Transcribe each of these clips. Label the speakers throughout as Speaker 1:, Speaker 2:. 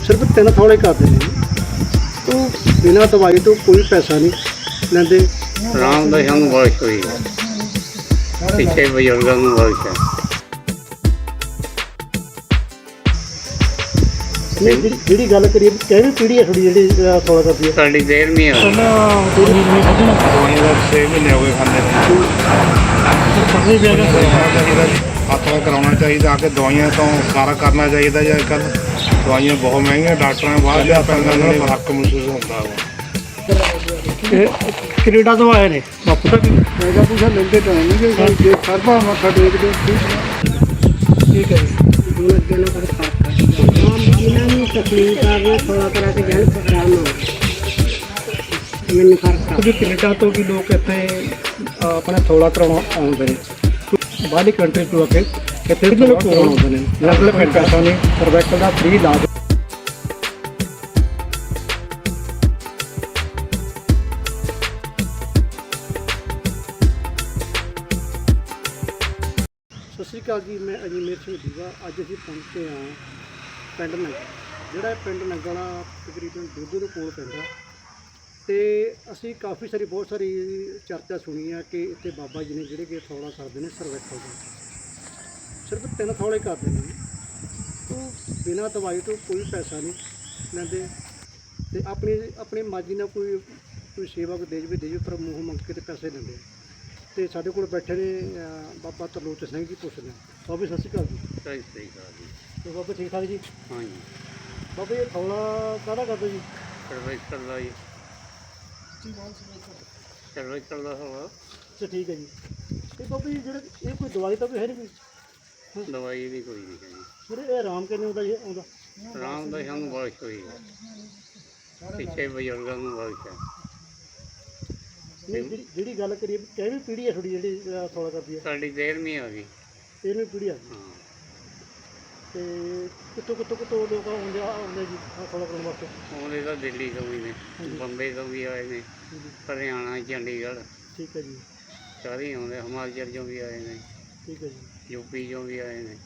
Speaker 1: सिर्फ 3 थोड़े करते हैं तो बिना दवाई तो कोई पैसा नहीं लेंदे।
Speaker 2: आराम ਦਾ ਸਾਨੂੰ ਬਖਸ਼ ਹੋਈ ਹੈ, ਪਿੱਛੇ ਬਜ਼ੁਰਗਾਂ ਨੂੰ ਬਖਸ਼ ਹੈ।
Speaker 1: ਜਿਹੜੀ ਗੱਲ ਕਰੀਏ ਕਿਹੜੀ ਪੀੜ੍ਹੀ ਹੈ ਤੁਹਾਡੀ ਜਿਹੜੀ ਥੋੜਾ ਕਰਦੀ ਹੈ?
Speaker 2: ਸਾਡੀ 13ਵੀਂ ਆ।
Speaker 3: ਦਵਾਈਆਂ ਦਾ 6 ਮਹੀਨੇ ਹੋ ਗਏ ਖਾਂਦੇ ਨੇ। ਹੱਥ ਨਾਲ ਕਰਾਉਣਾ ਚਾਹੀਦਾ, ਆ ਕੇ ਦਵਾਈਆਂ ਤੋਂ ਸਾਰਾ ਕਰਨਾ ਚਾਹੀਦਾ। ਜਾਂ ਕੱਲ ਦਵਾਈਆਂ ਬਹੁਤ ਮਹਿੰਗੀਆਂ, ਡਾਕਟਰਾਂ ਨੇ ਬਾਹਰ ਲਿਆ ਪੈਂਦਾ, ਉਹਨਾਂ ਨੂੰ ਫਰਕ ਮਹਿਸੂਸ ਹੁੰਦਾ ਵਾ।
Speaker 1: ਕੈਨੇਡਾ ਤੋਂ ਆਏ ਨੇ ਬਾਪੂ ਤੱਕ ਪੈਦਾ ਪੂਸਾ ਲੈਂਦੇ ਤਾਂ ਨਹੀਂ ਜੇ ਸਰਬਾ ਮੱਥਾ ਟੇਕਦੇ ਠੀਕ ਹੈ ਜੀ। ਹੁਣ ਅੱਗੇ ਨਾ ਕਰ ਇਹਨਾਂ ਨੂੰ ਤਕਲੀਫ ਆ ਗਈ ਥੋੜਾ ਕਰਾ ਕੇ ਜਾਣ ਆਰਾਮ ਹੋ ਮੈਨੂੰ ਫਰਕ ਆ। ਕੈਨੇਡਾ ਤੋਂ ਵੀ ਲੋਕ ਇੱਥੇ ਆਪਣਾ ਥੋੜਾ ਕਰਾਉਣਾ ਆਉਂਦੇ ਨੇ, ਬਾਹਰਲੀ ਕੰਟਰੀ ਤੋਂ ਆ ਕੇ ਇੱਥੇ ਵੀ ਲੋਕ ਆਉਂਦੇ ਨੇ। ਅਲੱਗ-ਅਲੱਗ ਪੈਸਾ ਨੇ ਸਰਵੈਕਲ ਦਾ ਫ੍ਰੀ ਇਲਾਜ। ਸਤਿ ਸ਼੍ਰੀ ਅਕਾਲ ਜੀ, ਮੈਂ ਅਜੀਮੇਰ ਸਿੰਘ ਦੀਵਾ। ਅੱਜ ਅਸੀਂ ਪਹੁੰਚੇ ਹਾਂ ਪਿੰਡ ਨੰਗਲ, ਜਿਹੜਾ ਪਿੰਡ ਨੰਗਲ ਤਕਰੀਬਨ ਦੁੱਧ ਦੇ ਕੋਲ ਪੈਂਦਾ। ਅਤੇ ਅਸੀਂ ਕਾਫੀ ਸਾਰੀ ਬਹੁਤ ਸਾਰੀ ਚਰਚਾ ਸੁਣੀ ਆ ਕਿ ਇੱਥੇ ਬਾਬਾ ਜੀ ਨੇ ਜਿਹੜੇ ਕਿ ਥੌਲਾ ਕਰਦੇ ਨੇ ਸਰਵੈਕਲ ਦਾ, ਸਿਰਫ 3 ਥੌਲੇ ਕਰਦੇ ਨੇ ਉਹ ਬਿਨਾਂ ਦਵਾਈ ਤੋਂ ਕੋਈ ਪੈਸਾ ਨਹੀਂ ਲੈਂਦੇ। ਅਤੇ ਆਪਣੀ ਮਰਜ਼ੀ ਨਾਲ ਕੋਈ ਸੇਵਾ ਕੋਈ ਦੇ ਜਾਵੇ ਪਰ ਮੂੰਹ ਮੰਗ ਕੇ ਤੇ ਪੈਸੇ ਲੈਂਦੇ। ਅਤੇ ਸਾਡੇ ਕੋਲ ਬੈਠੇ ਨੇ ਬਾਬਾ ਤਰਲੋਚਨ ਸਿੰਘ ਜੀ, ਪੁੱਛਦੇ ਬਾਬਾ ਸਤਿ ਸ਼੍ਰੀ ਅਕਾਲ ਜੀ।
Speaker 2: ਸਹੀ ਸਹੀ ਗੱਲ ਜੀ।
Speaker 1: ਅਤੇ ਬਾਬਾ ਠੀਕ ਠਾਕ ਜੀ?
Speaker 2: ਹਾਂਜੀ।
Speaker 1: ਬਾਬਾ ਇਹ ਥੌਲਾ ਕਾਹਦਾ ਕਰਦੇ ਜੀ?
Speaker 2: ਸਰਵਾਈਕਲ ਦਾ ਜੀ, ਸਰਵਾਈਕਲ ਦਾ ਹੋਵਾ।
Speaker 1: ਅੱਛਾ ਠੀਕ ਹੈ ਜੀ। ਅਤੇ ਬਾਬਾ ਜੀ ਜਿਹੜੇ ਇਹ ਕੋਈ ਦਵਾਈ ਤਾਂ ਕੋਈ ਹੈ ਨਹੀਂ ਕੋਈ?
Speaker 2: ਦਵਾਈ ਵੀ ਕੋਈ ਨਹੀਂ ਹੈ ਜੀ।
Speaker 1: ਵੀਰੇ ਇਹ ਆਰਾਮ ਕਿੰਨੇ ਹੁੰਦਾ ਜੀ ਆਉਂਦਾ?
Speaker 2: ਆਰਾਮ ਦਾ ਸਾਨੂੰ ਬਖਸ਼ ਹੋਈ ਹੈ, ਪਿੱਛੇ ਬਜ਼ੁਰਗਾਂ ਨੂੰ ਬਖਸ਼ ਹੈ।
Speaker 1: ਜਿਹੜੀ ਗੱਲ ਕਰੀਏ ਕਿਹੜੀ ਪੀੜ੍ਹੀ ਹੈ ਤੁਹਾਡੀ ਜਿਹੜੀ ਥੌਲਾ ਕਰਦੀ ਹੈ?
Speaker 2: ਸਾਡੀ 13ਵੀਂ ਆ ਗਈ।
Speaker 1: 13ਵੀਂ ਪੀੜ੍ਹੀ ਆ ਗਈ।
Speaker 2: ਹਾਂ।
Speaker 1: ਅਤੇ ਕਿੱਥੋਂ ਲੋਕ ਆਉਂਦੇ ਜੀ ਥੌਲਾ ਕਰਨ ਵਾਸਤੇ?
Speaker 2: ਆਉਂਦੇ ਤਾਂ ਦਿੱਲੀ ਤੋਂ ਵੀ ਨੇ, ਬੰਬੇ ਤੋਂ ਵੀ ਆਏ ਨੇ, ਹਰਿਆਣਾ, ਚੰਡੀਗੜ੍ਹ,
Speaker 1: ਠੀਕ ਹੈ ਜੀ।
Speaker 2: ਸਾਰੇ ਹੀ ਆਉਂਦੇ, ਹਿਮਾਚਲ 'ਚੋਂ ਵੀ ਆਏ ਨੇ,
Speaker 1: ਠੀਕ ਹੈ ਜੀ।
Speaker 2: ਯੂਪੀ 'ਚੋਂ ਵੀ ਆਏ ਨੇ।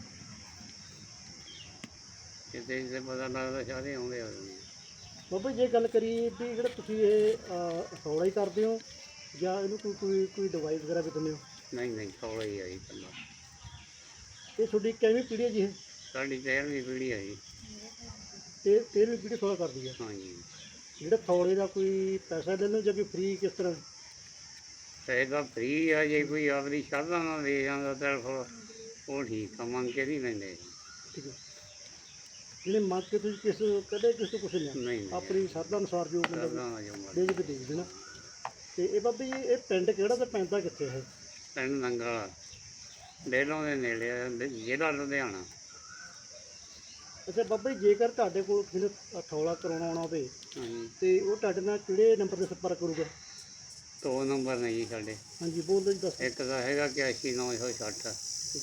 Speaker 2: ਜਿੱਥੇ ਜਿੱਥੇ ਪਤਾ ਲੱਗਦਾ ਸਾਰੇ ਆਉਂਦੇ ਆ।
Speaker 1: ਬਾਬਾ ਜੇ ਗੱਲ ਕਰੀਏ ਵੀ ਜਿਹੜਾ ਤੁਸੀਂ ਇਹ ਥੌਲਾ ਹੀ ਕਰਦੇ ਹੋ ਜਾਂ ਇਹਨੂੰ ਕੋਈ ਦਵਾਈ ਵਗੈਰਾ ਵੀ ਦਿੰਦੇ ਹੋ?
Speaker 2: ਨਹੀਂ ਨਹੀਂ, ਥੋੜਾ ਹੀ ਆ ਜੀ ਇਕੱਲਾ।
Speaker 1: ਇਹ ਤੁਹਾਡੀ ਕਿੰਨੀ ਪੀੜ੍ਹੀ ਹੈ ਜੀ? ਇਹ
Speaker 2: ਸਾਡੀ 13ਵੀਂ ਪੀੜ੍ਹੀ ਆ ਜੀ।
Speaker 1: ਤੇ 13ਵੀਂ ਪੀੜ੍ਹੀ ਥੌਲਾ ਕਰਦੀ ਹੈ।
Speaker 2: ਹਾਂਜੀ।
Speaker 1: ਜਿਹੜਾ ਥੌਲੇ ਦਾ ਕੋਈ ਪੈਸਾ ਲੈਂਦੇ ਜਾਂ ਕੋਈ ਫ੍ਰੀ ਕਿਸ ਤਰ੍ਹਾਂ?
Speaker 2: ਪੈਸੇ ਤਾਂ ਫ੍ਰੀ ਆ, ਜੇ ਕੋਈ ਆਪਣੀ ਸ਼ਰਧਾ ਨਾਲ ਦੇ ਜਾਂਦਾ ਤਾਂ ਫਿਰ ਉਹ ਠੀਕ ਆ, ਮੰਗ ਕੇ ਨਹੀਂ ਲੈਂਦੇ।
Speaker 1: ਠੀਕ ਹੈ। ਜਿਹੜੇ ਮੰਗ ਕੇ ਤੁਸੀਂ ਕਦੇ ਕਿਸੇ ਤੋਂ ਕੁਛ ਨਹੀਂ
Speaker 2: ਨਹੀਂ
Speaker 1: ਆਪਣੀ ਸ਼ਰਧਾ ਅਨੁਸਾਰ ਜੋ ਬੰਦਾ
Speaker 2: ਸ਼ਰਧਾ ਨਾਲ ਜੋ ਮਰਜ਼ੀ।
Speaker 1: ਦੇ ਕੇ ਦੇ ਦੇਣਾ। ਅਤੇ ਇਹ ਬਾਬਾ ਜੀ ਇਹ ਪਿੰਡ ਕਿਹੜਾ ਅਤੇ ਪੈਂਦਾ ਕਿੱਥੇ ਹੈ?
Speaker 2: ਪਿੰਡ ਨੰਗਲ, ਡੇਲੋਂ ਦੇ ਨੇੜੇ ਆ, ਜ਼ਿਲ੍ਹਾ ਲੁਧਿਆਣਾ।
Speaker 1: ਅੱਛਾ ਬਾਬਾ ਜੀ ਜੇਕਰ ਤੁਹਾਡੇ ਕੋਲ ਕਿਸੇ ਥੌਲਾ ਕਰਾਉਣਾ ਆਉਣਾ ਹੋਵੇ
Speaker 2: ਹਾਂਜੀ।
Speaker 1: ਅਤੇ ਉਹ ਤੁਹਾਡੇ ਨਾਲ ਕਿਹੜੇ ਨੰਬਰ 'ਤੇ ਸੰਪਰਕ ਕਰੂਗਾ?
Speaker 2: 2 ਨੰਬਰ ਨੇ ਜੀ ਸਾਡੇ।
Speaker 1: ਹਾਂਜੀ ਬੋਲ ਦਿਓ ਜੀ, ਦੱਸ।
Speaker 2: ਇੱਕ ਤਾਂ ਹੈਗਾ 81 960,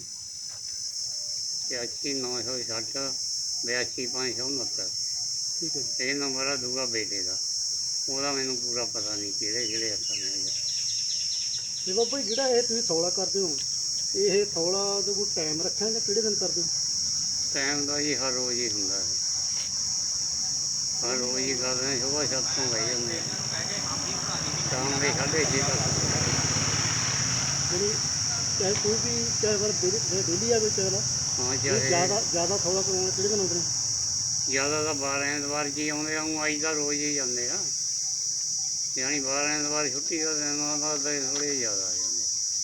Speaker 2: 81 960, 82 569।
Speaker 1: ਠੀਕ ਹੈ ਜੀ।
Speaker 2: ਇਹ ਨੰਬਰ ਆ ਦੂਗਾ ਬੇਟੇ ਦਾ, ਉਹਦਾ ਮੈਨੂੰ ਪੂਰਾ ਪਤਾ ਨਹੀਂ ਕਿਹੜੇ ਹੱਥਾਂ ਨੇ।
Speaker 1: ਅਤੇ ਬਾਬਾ ਜੀ ਜਿਹੜਾ ਇਹ ਤੁਸੀਂ ਥੌਲਾ ਕਰਦੇ ਹੋ ਇਹ ਥੌਲਾ ਦਾ ਕੋਈ ਟਾਈਮ ਰੱਖਿਆ ਜਾਂ ਕਿਹੜੇ ਦਿਨ ਕਰਦੇ ਹੋ?
Speaker 2: ਟਾਈਮ ਦਾ ਜੀ ਹਰ ਰੋਜ਼ ਹੀ ਹੁੰਦਾ ਹੈ, ਹਰ ਰੋਜ਼ ਹੀ ਕਰਦੇ ਹਾਂ। ਸੁਬਾਹ 7 ਤੋਂ ਬਹਿ ਜਾਂਦੇ ਹਾਂ, ਸ਼ਾਮ ਦੇ 6:30 ਤੱਕ।
Speaker 1: ਜਿਹੜੀ ਚਾਹੇ ਕੋਈ ਵੀ ਚਾਹੇ ਵਾਰ ਡੇਲੀ ਆਵੇ ਚਾਹੇ ਨਾ
Speaker 2: ਹਾਂ,
Speaker 1: ਜ਼ਿਆਦਾ ਥੌਲਾ ਕਰਾਉਣਾ ਕਿਹੜੇ ਦਿਨ ਆਉਂਦੇ ਨੇ?
Speaker 2: ਜ਼ਿਆਦਾ ਤਾਂ 12 ਐਤਵਾਰ 'ਚ ਹੀ ਆਉਂਦੇ ਆ, ਆਈ ਤਾਂ ਰੋਜ਼ ਹੀ ਜਾਂਦੇ ਆ। ਯਾਨੀ 12 ਐਤਵਾਰ ਛੁੱਟੀ ਦਾ ਦਿਨ ਆਉਂਦਾ ਤਾਂ ਥੋੜ੍ਹੇ ਜ਼ਿਆਦਾ ਆ ਜਾਂਦੇ।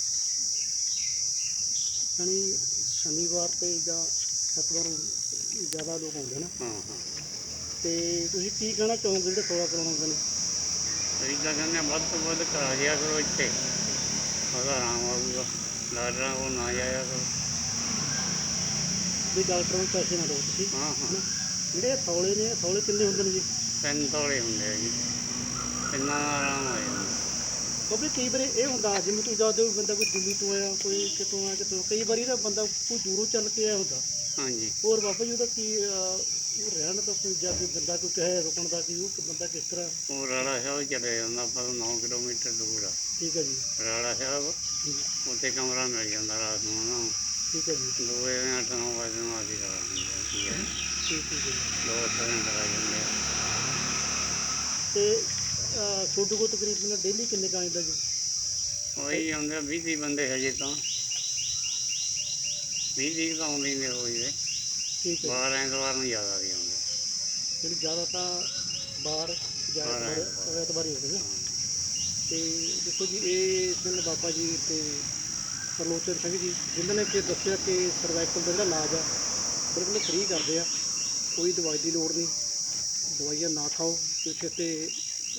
Speaker 1: ਯਾਨੀ ਸ਼ਨੀਵਾਰ 'ਤੇ ਜਾਂ ਐਤਵਾਰ ਜ਼ਿਆਦਾ ਲੋਕ ਆਉਂਦੇ ਨਾ।
Speaker 2: ਹਾਂ ਹਾਂ।
Speaker 1: ਅਤੇ ਤੁਸੀਂ ਕੀ ਕਹਿਣਾ ਚਾਹੋਗੇ ਜਿਹੜੇ ਥੌਲਾ ਕਰਾਉਣ ਆਉਂਦੇ ਨੇ?
Speaker 2: ਅਸੀਂ ਤਾਂ ਕਹਿੰਦੇ ਹਾਂ ਵੱਧ ਤੋਂ ਵੱਧ ਕਰਾ ਜਿਆ ਕਰੋ ਇੱਥੇ, ਉਹਦਾ ਆਰਾਮ ਆਊਗਾ। ਡਾਕਟਰਾਂ ਕੋਲ ਨਾ ਜਾਇਆ ਕਰੋ।
Speaker 1: ਵੀ ਡਾਕਟਰ ਨੂੰ ਪੈਸੇ ਨਾ ਦਿਓ ਤੁਸੀਂ।
Speaker 2: ਹਾਂ ਹਾਂ।
Speaker 1: ਜਿਹੜੇ ਥੌਲੇ ਨੇ ਥੌਲੇ ਕਿੰਨੇ ਹੁੰਦੇ ਨੇ ਜੀ?
Speaker 2: 3 ਥੋੜੇ ਹੁੰਦੇ ਆ ਜੀ, ਇੰਨਾ ਆਰਾਮ ਆ ਜਾਂਦਾ।
Speaker 1: ਕਿਉਂਕਿ ਕਈ ਵਾਰੀ ਇਹ ਹੁੰਦਾ ਜਿਵੇਂ ਤੁਸੀਂ ਦੱਸਦੇ ਹੋ ਬੰਦਾ ਕੋਈ ਦਿੱਲੀ ਤੋਂ ਆਇਆ, ਕੋਈ ਕਿਤੋਂ ਆਇਆ ਕਿਤੋਂ, ਕਈ ਵਾਰੀ ਨਾ ਬੰਦਾ ਕੋਈ ਦੂਰੋਂ ਚੱਲ ਕੇ ਆਇਆ ਹੁੰਦਾ।
Speaker 2: ਹਾਂਜੀ।
Speaker 1: ਹੋਰ ਬਾਬਾ ਜੀ ਉਹਦਾ ਕੀ ਉਹ ਰਹਿਣ ਦਾ ਕੋਈ ਜਾਂ ਕੋਈ ਬੰਦਾ ਕੋਈ ਕਹੇ ਰੁਕਣ ਦਾ, ਕਿ ਉਹ ਬੰਦਾ ਕਿਸ ਤਰ੍ਹਾਂ?
Speaker 2: ਉਹ ਰਾੜਾ ਸਾਹਿਬ ਚਲੇ ਜਾਂਦਾ, ਆਪਾਂ 9 ਕਿਲੋਮੀਟਰ ਦੂਰ ਆ
Speaker 1: ਠੀਕ ਹੈ ਜੀ।
Speaker 2: ਰਾੜਾ ਸਾਹਿਬ, ਉੱਥੇ ਕਮਰਾ ਮਿਲ ਜਾਂਦਾ ਰਾਤ ਨੂੰ ਉਹਨਾਂ ਨੂੰ।
Speaker 1: ਠੀਕ ਹੈ ਜੀ।
Speaker 2: 2 ਵਜੇ 8 9 ਵਜੇ ਨੂੰ ਅਸੀਂ ਰਾਤ ਨੂੰ ਜਾਂਦੀ ਹੈ।
Speaker 1: ਠੀਕ ਹੈ ਜੀ।
Speaker 2: 2 ਸਿਲੰਡਰ ਆ ਜਾਂਦੇ ਆ।
Speaker 1: ਤੇ ਤੁਹਾਡੇ ਕੋਲ ਤਕਰੀਬਨ ਡੇਲੀ ਕਿੰਨੇ ਕੁ ਆਉਂਦਾ ਜੀ?
Speaker 2: ਉਹੀ ਆਉਂਦੇ 20 ਬੰਦੇ ਹਜੇ ਤਾਂ 20 ਤਾਂ ਆਉਂਦੇ ਹੀ ਨੇ ਰੋਜ਼ ਦੇ।
Speaker 1: ਠੀਕ ਹੈ
Speaker 2: ਬਾਹਰ ਐਤਵਾਰ ਨੂੰ ਜ਼ਿਆਦਾ ਵੀ ਆਉਂਦੇ।
Speaker 1: ਜੀ। ਜ਼ਿਆਦਾ ਤਾਂ ਬਾਹਰ
Speaker 2: ਬਾਹਰ
Speaker 1: ਐਤਵਾਰ ਹੀ ਹੁੰਦੇ ਨੇ। ਤੇ ਦੇਖੋ ਜੀ, ਇਹ ਸਿੰਘ ਬਾਬਾ ਜੀ ਤੇ ਤਰਲੋਚਨ ਸਿੰਘ ਜੀ, ਜਿਨ੍ਹਾਂ ਨੇ ਕਿ ਦੱਸਿਆ ਕਿ ਸਰਵਾਈਕਲ ਦਾ ਜਿਹੜਾ ਇਲਾਜ ਆ ਬਿਲਕੁਲ ਫ੍ਰੀ ਕਰਦੇ ਆ, ਕੋਈ ਦਵਾਈ ਦੀ ਲੋੜ ਨਹੀਂ, ਦਵਾਈਆਂ ਨਾ ਖਾਓ। ਕਿਉਂਕਿ ਇੱਥੇ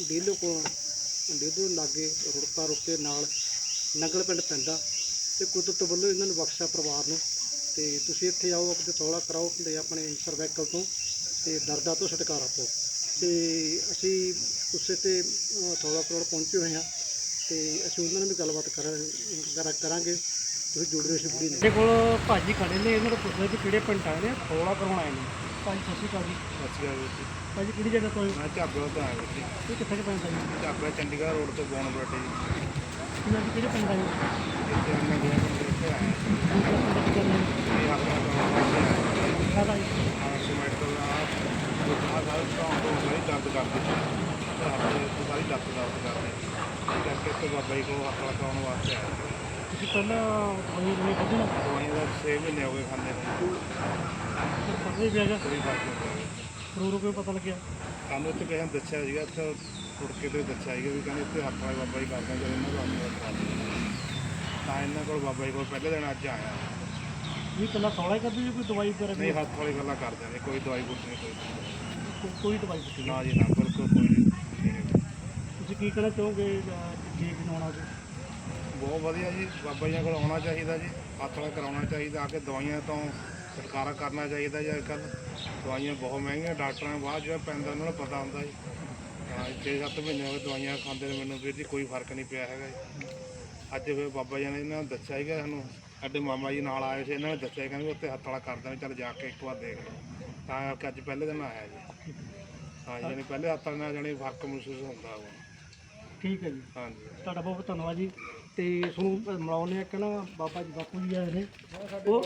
Speaker 1: ਡੇਲੋ ਲਾਗੇ ਰੁੜਕੇ ਨਾਲ ਨੰਗਲ ਪਿੰਡ ਪੈਂਦਾ ਤੇ ਕੁਦਰਤ ਵੱਲੋਂ ਇਹਨਾਂ ਨੂੰ ਬਖਸ਼ਿਆ ਪਰਿਵਾਰ ਨੂੰ। ਤੇ ਤੁਸੀਂ ਇੱਥੇ ਆਓ, ਆਪਣੇ ਥੋੜਾ ਕਰਾਓ ਤੇ ਆਪਣੇ ਸਰਵਾਈਕਲ ਤੋਂ ਤੇ ਦਰਦਾਂ ਤੋਂ ਛੁਟਕਾਰਾ ਪਾਓ। ਤੇ ਅਸੀਂ ਉਸੇ ਤੇ ਥੋੜਾ ਕਰੋੜ ਪਹੁੰਚੇ ਹੋਏ ਹਾਂ ਤੇ ਅਸੀਂ ਉਹਨਾਂ ਨਾਲ ਵੀ ਗੱਲਬਾਤ ਕਰਾਂਗੇ। ਤੁਸੀਂ ਜੁੜ ਰਹੇ ਹੋ ਬੁੜੀ ਸਾਡੇ ਕੋਲ ਭਾਜੀ ਖੜੇ ਨੇ, ਇਹਨਾਂ ਨੂੰ ਪੁੱਛਦੇ ਕਿ ਕਿਹੜੇ ਪਿੰਡ ਆਏ ਨੇ, ਥੋੜਾ ਕਰਾਉਣ ਆਏ ਨੇ। ਭਾਜੀ ਸਤਿ ਸ਼੍ਰੀ ਅਕਾਲ ਜੀ।
Speaker 3: ਅੱਛਾ ਵੀਰ ਜੀ,
Speaker 1: ਭਾਜੀ ਕਿਹੜੀ ਜਗ੍ਹਾ ਤੋਂ ਆਏ?
Speaker 3: ਮੈਂ ਝਾਬਾ ਤੋਂ ਆਇਆ ਵੀਰ ਜੀ।
Speaker 1: ਇਹ ਕਿੱਥੇ ਕੁ ਪੈਂਦਾ ਜੀ?
Speaker 3: ਝਾਬਾ ਚੰਡੀਗੜ੍ਹ ਰੋਡ ਤੋਂ ਬੋਨ ਬਰਾਟੇ ਜੀ।
Speaker 1: ਇਹਨਾਂ ਦੀ ਕਿਹੜੇ ਪਿੰਡ ਆਏ?
Speaker 3: ਇੱਥੇ ਮੈਂ ਗਿਆ ਇੱਥੇ ਆਇਆ
Speaker 1: ਦੂਸਰਾ ਪਿੰਡ ਕੀ ਕਰਨਾ ਹੈ?
Speaker 3: ਇਹ ਆਪਣਾ ਕੰਮ
Speaker 1: ਕਾਹਦਾ ਜੀ?
Speaker 3: ਸਿਮੈਂਟ ਦਾ ਆਹ ਸਾਰਾ ਕੰਮ ਤੋਂ ਬੜੀ ਦਰਦ ਕਰਦੀ ਸੀ। ਆਪਣੇ ਸਾਰੀ ਲੱਤ ਦਰਦ ਕਰਦੀ ਇਸ ਕਰਕੇ ਇੱਥੇ ਬਾਬਾ ਜੀ ਕੋਲ ਹੱਥ ਲਗਾਉਣ ਵਾਸਤੇ ਆਇਆ।
Speaker 1: ਤੁਸੀਂ ਪਹਿਲਾਂ ਦਵਾਈ ਖਾਧੀ ਨਾ?
Speaker 3: ਦਵਾਈਆਂ ਦਾ 6 ਮਹੀਨੇ ਹੋ ਗਏ ਖਾਂਦੇ ਨੂੰ,
Speaker 1: ਫਿਰ ਪਤਾ ਨਹੀਂ ਪਿਆ ਗਾ?
Speaker 3: ਕੋਈ ਫਰਕ ਨਹੀਂ ਪਿਆ।
Speaker 1: ਰੋ ਕੇ ਪਤਾ ਲੱਗਿਆ?
Speaker 3: ਸਾਨੂੰ ਇੱਥੇ ਕਿਸੇ ਨੇ ਦੱਸਿਆ ਸੀਗਾ, ਇੱਥੇ ਟੁੜਕੇ ਤੋਂ ਦੱਸਿਆ ਸੀਗਾ ਵੀ ਕਹਿੰਦੇ ਇੱਥੇ ਹੱਥ ਵਾਲੇ ਬਾਬਾ ਜੀ ਕਰਦੇ ਆ, ਜਦੋਂ ਇਹਨਾਂ ਕੋਲ ਆਉਂਦੇ ਕਰਾ ਤਾਂ ਇਹਨਾਂ ਕੋਲ ਬਾਬਾ ਜੀ ਕੋਲ ਪਹਿਲੇ ਦਿਨ ਅੱਜ ਆਇਆ।
Speaker 1: ਨਹੀਂ ਪਹਿਲਾਂ ਥੋੜਾ ਹੀ ਕਰਦੇ ਜੀ, ਕੋਈ ਦਵਾਈ ਵਗੈਰਾ
Speaker 3: ਨਹੀਂ, ਹੱਥ ਵਾਲੀ ਗੱਲਾਂ ਕਰਦੇ ਨੇ, ਕੋਈ ਦਵਾਈ ਬੂਟੀ ਨਹੀਂ,
Speaker 1: ਕੋਈ ਦਵਾਈ ਦਿੱਤੀ
Speaker 3: ਨਾ ਜੀ ਨਾ, ਬਿਲਕੁਲ ਕੋਈ ਨਹੀਂ।
Speaker 1: ਤੁਸੀਂ ਕੀ ਕਹਿਣਾ ਚਾਹੋਗੇ ਠੀਕ ਬਣਾਉਣਾ ਜੀ?
Speaker 3: ਬਹੁਤ ਵਧੀਆ ਜੀ, ਬਾਬਾ ਜੀ ਕੋਲ ਆਉਣਾ ਚਾਹੀਦਾ ਜੀ, ਹੱਥ ਵਾਲਾ ਕਰਾਉਣਾ ਚਾਹੀਦਾ, ਆ ਕੇ ਦਵਾਈਆਂ ਤੋਂ ਛੁਟਕਾਰਾ ਕਰਨਾ ਚਾਹੀਦਾ ਜੀ। ਅੱਜ ਕੱਲ੍ਹ ਦਵਾਈਆਂ ਬਹੁਤ ਮਹਿੰਗੀਆਂ, ਡਾਕਟਰਾਂ ਨੂੰ ਬਾਅਦ ਜਿਹੜਾ ਪੈਂਦਾ ਉਹਨਾਂ ਨੂੰ ਪਤਾ ਹੁੰਦਾ ਜੀ। ਹਾਂ 6-7 ਮਹੀਨੇ ਹੋ ਗਏ ਦਵਾਈਆਂ ਖਾਂਦੇ ਨੇ ਮੈਨੂੰ ਵੀਰ ਜੀ, ਕੋਈ ਫਰਕ ਨਹੀਂ ਪਿਆ ਹੈਗਾ ਜੀ। ਅੱਜ ਫਿਰ ਬਾਬਾ ਜੀ ਨੇ ਇਹਨਾਂ ਨੂੰ ਦੱਸਿਆ ਸੀਗਾ, ਸਾਨੂੰ ਸਾਡੇ ਮਾਮਾ ਜੀ ਨਾਲ ਆਏ ਸੀ, ਇਹਨਾਂ ਨੇ ਦੱਸਿਆ ਕਹਿੰਦੇ ਉੱਥੇ ਹੱਥ ਵਾਲਾ ਕਰਦੇ ਨੇ, ਚੱਲ ਜਾ ਕੇ ਇੱਕ ਵਾਰ ਦੇਖ ਲਓ। ਤਾਂ ਕਿ ਅੱਜ ਪਹਿਲੇ ਦਿਨ ਆਇਆ ਜੀ। ਹਾਂ ਜੀ, ਜਾਣੀ ਪਹਿਲੇ ਹੱਥ ਨਾਲ ਜਾਣੀ ਫਰਕ ਮਹਿਸੂਸ ਹੁੰਦਾ ਵਾ।
Speaker 1: ਠੀਕ ਹੈ ਜੀ,
Speaker 3: ਹਾਂਜੀ,
Speaker 1: ਤੁਹਾਡਾ ਬਹੁਤ ਬਹੁਤ ਧੰਨਵਾਦ ਜੀ। ਤੇ ਤੁਹਾਨੂੰ ਮਿਲਾਉਂਦੇ ਆ ਕਿ ਨਾ ਬਾਬਾ ਜੀ, ਬਾਪੂ ਜੀ ਆਏ ਨੇ, ਉਹ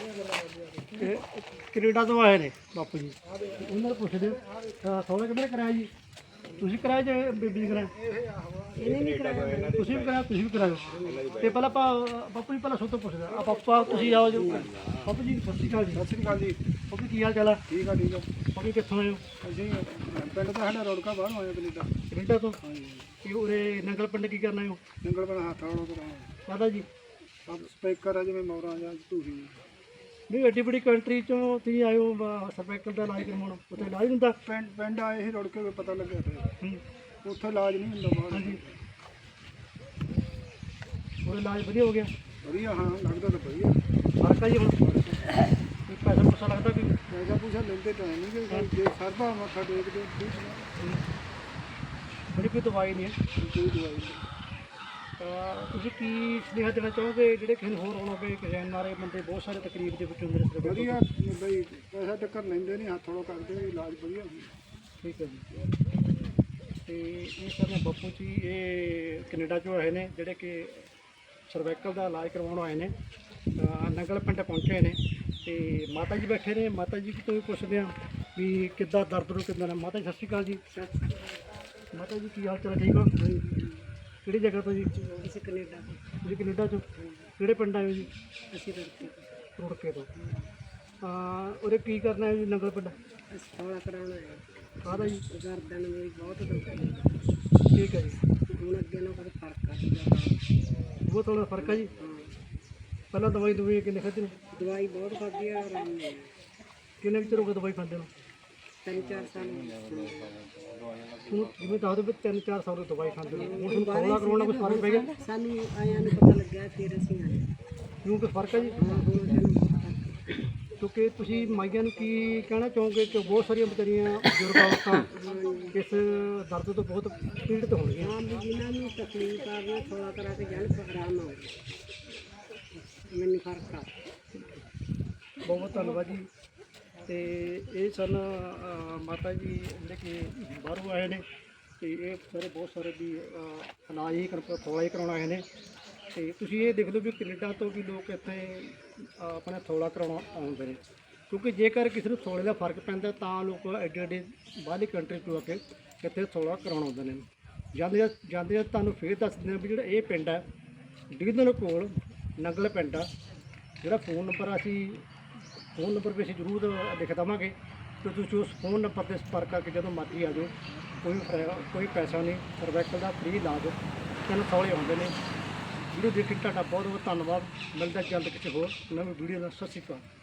Speaker 1: ਕੈਨੇਡਾ ਤੋਂ ਆਏ ਨੇ ਬਾਪੂ ਜੀ। ਉਹਨਾਂ ਨੂੰ ਪੁੱਛਦੇ ਥੋੜਾ ਕਿਹਨੇ ਕਰਾਇਆ ਜੀ? ਤੁਸੀਂ ਕਰਾਇਆ ਜਾਂ ਬੀਬੀ ਨੇ ਕਰਾਇਆ? ਇਹਨੇ ਨਹੀਂ ਕਰਾਇਆ। ਤੁਸੀਂ ਵੀ ਕਰਾਇਆ? ਤੁਸੀਂ ਵੀ ਕਰਾਇਆ। ਤੇ ਪਹਿਲਾਂ ਆਪਾਂ ਬਾਪੂ ਜੀ ਪਹਿਲਾਂ ਸਭ ਤੋਂ ਪੁੱਛਦੇ ਆ ਪਾਪਾ, ਤੁਸੀਂ ਆਓ ਜੀ। ਬਾਪੂ ਜੀ ਸਤਿ ਸ਼੍ਰੀ ਅਕਾਲ ਜੀ।
Speaker 3: ਸਤਿ ਸ਼੍ਰੀ ਅਕਾਲ ਜੀ।
Speaker 1: ਬਾਪੂ ਕੀ ਹਾਲ ਚਾਲ ਆ?
Speaker 3: ਠੀਕ ਆ ਠੀਕ ਆ।
Speaker 1: ਬਾਪੂ ਕਿੱਥੋਂ ਆਏ ਹੋ?
Speaker 3: ਅਸੀਂ ਪਿੰਡ ਦਾ ਸਾਡਾ ਰੋੜਕਾ ਬਾਹਰ ਆਇਆ ਕੈਨੇਡਾ।
Speaker 1: ਕੈਨੇਡਾ ਤੋਂ?
Speaker 3: ਹਾਂਜੀ,
Speaker 1: ਇਹ ਉਰੇ ਨੰਗਲ ਪਿੰਡ ਕੀ ਕਰਨਾ ਹੋ?
Speaker 3: ਨੰਗਲ ਬਣਾ ਹੱਥ ਵਾਲਾ ਕਰਾਉਣਾ।
Speaker 1: ਕਾਹਦਾ ਜੀ?
Speaker 3: ਸਭ ਸਪੀਕਰ ਆ ਜਿਵੇਂ ਮੋਰਾਂ ਜਾਂ ਧੂਰੀ।
Speaker 1: ਨਹੀਂ ਐਡੀ ਬੜੀ ਕੰਟਰੀ ਚੋਂ ਤੁਸੀਂ ਆਏ ਹੋ ਸਰਵਾਈਕਲ ਦਾ ਇਲਾਜ ਕਰਵਾਉਣ, ਉੱਥੇ ਇਲਾਜ ਹੁੰਦਾ?
Speaker 3: ਪਿੰਡ ਆਏ ਸੀ ਰੋੜਕੇ ਪਤਾ ਲੱਗਿਆ ਤੇ
Speaker 1: ਹੂੰ,
Speaker 3: ਉੱਥੇ ਇਲਾਜ ਨਹੀਂ ਹੁੰਦਾ ਬਾਹਰ।
Speaker 1: ਹਾਂਜੀ। ਉਹ ਇਲਾਜ ਵਧੀਆ ਹੋ ਗਿਆ?
Speaker 3: ਵਧੀਆ, ਹਾਂ ਲੱਗਦਾ ਤਾਂ ਵਧੀਆ।
Speaker 1: ਫਰਕ ਆ ਜੀ ਹੁਣ? ਕੋਈ ਪੈਸਾ ਪੂਸਾ ਲੱਗਦਾ ਕੋਈ?
Speaker 3: ਪੈਸਾ ਪੂਸਾ ਲੈਂਦੇ ਤਾਂ ਨਹੀਂ ਕਿ ਜੇ ਸਰਬਾ ਮੱਥਾ ਟੇਕਦੇ ਠੀਕ ਨਾ,
Speaker 1: ਬੜੀ ਕੋਈ ਦਵਾਈ ਨਹੀਂ ਹੈ।
Speaker 3: ਕੋਈ ਦਵਾਈ ਨਹੀਂ।
Speaker 1: ਤਾਂ ਤੁਸੀਂ ਕੀ ਸੁਨੇਹਾ ਦੇਣਾ ਚਾਹੋਗੇ ਜਿਹੜੇ ਕਿਸੇ ਨੂੰ ਹੋਰ ਆਉਣਾ ਪਏ? ਕਿਸੇ ਨਾਰੇ ਬੰਦੇ ਬਹੁਤ ਸਾਰੇ ਤਕਲੀਫ ਦੇ ਵਿੱਚ ਹੁੰਦੇ ਨੇ ਸਰਵਾਈਕਲ
Speaker 3: ਵਧੀਆ ਬਈ, ਪੈਸਾ ਟੱਕਰ ਲੈਂਦੇ ਨਹੀਂ, ਹੱਥ ਵਾਲਾ ਕਰਦੇ ਨੇ, ਇਲਾਜ ਵਧੀਆ ਹੁੰਦਾ।
Speaker 1: ਠੀਕ ਹੈ ਜੀ। ਤੇ ਇਹ ਸਰ ਬਾਪੂ ਜੀ, ਇਹ ਕੈਨੇਡਾ ਚੋਂ ਆਏ ਨੇ, ਜਿਹੜੇ ਕਿ ਸਰਵਾਈਕਲ ਦਾ ਇਲਾਜ ਕਰਵਾਉਣ ਆਏ ਨੇ, ਨੰਗਲ ਪਿੰਡ ਪਹੁੰਚੇ ਨੇ। ਤੇ ਮਾਤਾ ਜੀ ਬੈਠੇ ਨੇ, ਮਾਤਾ ਜੀ ਤੋਂ ਵੀ ਪੁੱਛਦੇ ਹਾਂ ਵੀ ਕਿੱਦਾਂ ਦਰਦ ਨੂੰ ਕਿੱਦਾਂ ਨੇ। ਮਾਤਾ ਜੀ ਸਤਿ ਸ਼੍ਰੀ ਅਕਾਲ ਜੀ। ਮਾਤਾ ਜੀ ਕੀ ਹਾਲ ਚਾਲ? ਠੀਕ ਹੋ? ਕਿਹੜੀ ਜਗ੍ਹਾ ਤੋਂ ਜੀ?
Speaker 4: ਅਸੀਂ ਕੈਨੇਡਾ ਤੋਂ।
Speaker 1: ਤੁਸੀਂ ਕੈਨੇਡਾ ਚੋਂ ਕਿਹੜੇ ਪਿੰਡ ਆਏ ਹੋ ਜੀ?
Speaker 4: ਅਸੀਂ ਰੁੜਕੇ ਤੋਂ।
Speaker 1: ਰੁੜਕੇ ਤੋਂ। ਉਰੇ ਕੀ ਕਰਨਾ ਹੈ ਜੀ ਨੰਗਲ ਪਿੰਡ?
Speaker 4: ਅਸੀਂ ਥੋੜਾ ਕਰਾਉਣਾ ਹੈ।
Speaker 1: ਕਾਹਦਾ ਜੀ?
Speaker 4: ਗਰਦਨ ਮੇਰੀ ਬਹੁਤ ਦੁਖਦੀ
Speaker 1: ਠੀਕ ਹੈ ਜੀ।
Speaker 4: ਹੁਣ ਅੱਗੇ ਨਾਲ ਕੋਈ ਫਰਕ ਆ ਗਿਆ।
Speaker 1: ਬਹੁਤ ਥੋੜਾ ਫਰਕ ਹੈ ਜੀ।
Speaker 4: ਹਾਂ,
Speaker 1: ਪਹਿਲਾਂ ਦਵਾਈ ਦਵਾਈ ਕਿੰਨੇ ਖਾਧੀ ਨੇ?
Speaker 4: ਦਵਾਈ ਬਹੁਤ ਖਾਧੀ ਆ, ਆਰਾਮ ਨਹੀਂ ਆਇਆ।
Speaker 1: ਕਿੰਨੇ ਵਿੱਚ ਰੋਗ ਦਵਾਈ ਖਾਂਦੇ ਨੂੰ?
Speaker 4: 3-4 ਸਾਲ ਹੋ ਗਏ।
Speaker 1: ਹੁਣ ਜਿਵੇਂ ਦੱਸ ਦਿਓ ਵੀ 3-4 ਸਾਲ ਤੋਂ ਦਵਾਈ ਖਾਂਦੇ ਨੂੰ, ਹੁਣ ਤੁਹਾਨੂੰ ਥੋੜਾ ਕਰੋਨਾ ਕੁਝ ਫਰਕ ਪੈ ਗਿਆ?
Speaker 4: ਸਾਨੂੰ ਆਇਆਂ ਨੂੰ ਪਤਾ ਲੱਗਿਆ, ਫਿਰ ਅਸੀਂ ਆਏ।
Speaker 1: ਕਿਉਂ ਕੋਈ ਫਰਕ ਹੈ ਜੀ?
Speaker 4: ਹਾਂ, ਹੁਣ ਸਾਨੂੰ ਪਤਾ।
Speaker 1: ਕਿਉਂਕਿ ਤੁਸੀਂ ਮਾਈਆਂ ਨੂੰ ਕੀ ਕਹਿਣਾ ਚਾਹੋਗੇ ਕਿ ਬਹੁਤ ਸਾਰੀਆਂ ਵਿਚਾਰੀਆਂ ਬਜ਼ੁਰਗ ਔਰਤਾਂ ਇਸ ਦਰਦ ਤੋਂ ਬਹੁਤ ਪੀੜਤ ਹੋਣਗੀਆਂ।
Speaker 4: ਹਾਂ, ਵੀ ਜਿਨ੍ਹਾਂ ਨੂੰ ਤਕਲੀਫ ਆ ਗਈ ਥੋੜਾ ਕਰਾ ਕੇ ਜਾਣ, ਆਰਾਮ ਆ ਮੈਨੂੰ ਫਰਕ ਆ।
Speaker 1: ਬਹੁਤ ਬਹੁਤ ਧੰਨਵਾਦ ਜੀ। ਤੇ ਇਹ ਸਨ ਮਾਤਾ ਜੀ ਜਿਹੜੇ ਕਿ ਬਾਹਰੋਂ ਆਏ ਨੇ, ਤੇ ਇਹ ਸਾਰੇ ਬਹੁਤ ਸਾਰੇ ਵੀ ਇਲਾਜ ਹੀ ਥੋੜਾ ਹੀ ਕਰਾਉਣਾ ਆਏ ਨੇ। ਤੇ ਤੁਸੀਂ ਇਹ ਦੇਖ ਲਓ ਵੀ ਕੈਨੇਡਾ ਤੋਂ ਵੀ ਲੋਕ ਇੱਥੇ ਆਪਣਾ ਥੋੜਾ ਕਰਾਉਣਾ ਆਉਂਦੇ ਨੇ। ਕਿਉਂਕਿ ਜੇਕਰ ਕਿਸੇ ਨੂੰ ਸੋਲੇ ਦਾ ਫਰਕ ਪੈਂਦਾ ਤਾਂ ਲੋਕ ਐਡੇ ਐਡੇ ਬਾਹਰਲੀ ਕੰਟਰੀ ਤੋਂ ਆ ਕੇ ਇੱਥੇ ਸੋਲਾ ਕਰਾਉਣ ਆਉਂਦੇ ਨੇ। ਜਾਂਦੇ ਤੁਹਾਨੂੰ ਫੇਰ ਦੱਸ ਦਿੰਦੇ ਹਾਂ ਵੀ ਜਿਹੜਾ ਇਹ ਪਿੰਡ ਹੈ ਡਿਗਦਨ ਕੋਲ ਨੰਗਲ ਪਿੰਡ ਆ, ਜਿਹੜਾ ਫੋਨ ਨੰਬਰ ਵੀ ਅਸੀਂ ਜ਼ਰੂਰ ਲਿਖ ਦੇਵਾਂਗੇ ਤੇ ਤੁਸੀਂ ਉਸ ਫੋਨ ਨੰਬਰ 'ਤੇ ਸੰਪਰਕ ਕਰਕੇ ਜਦੋਂ ਮਰਜ਼ੀ ਆ ਜਾਓ। ਕੋਈ ਪੈਸਾ ਨਹੀਂ, ਸਰਵਾਈਕਲ ਦਾ ਫ੍ਰੀ ਇਲਾਜ 3 ਸੌਲੇ ਆਉਂਦੇ ਨੇ। ਵੀਡੀਓ ਦੇਖਣ ਤੁਹਾਡਾ ਬਹੁਤ ਬਹੁਤ ਧੰਨਵਾਦ। ਮਿਲਦਾ ਜਲਦ ਕਿਸੇ ਹੋਰ ਨਵੀਂ ਵੀਡੀਓ ਨਾਲ। ਸਤਿ ਸ਼੍ਰੀ ਅਕਾਲ।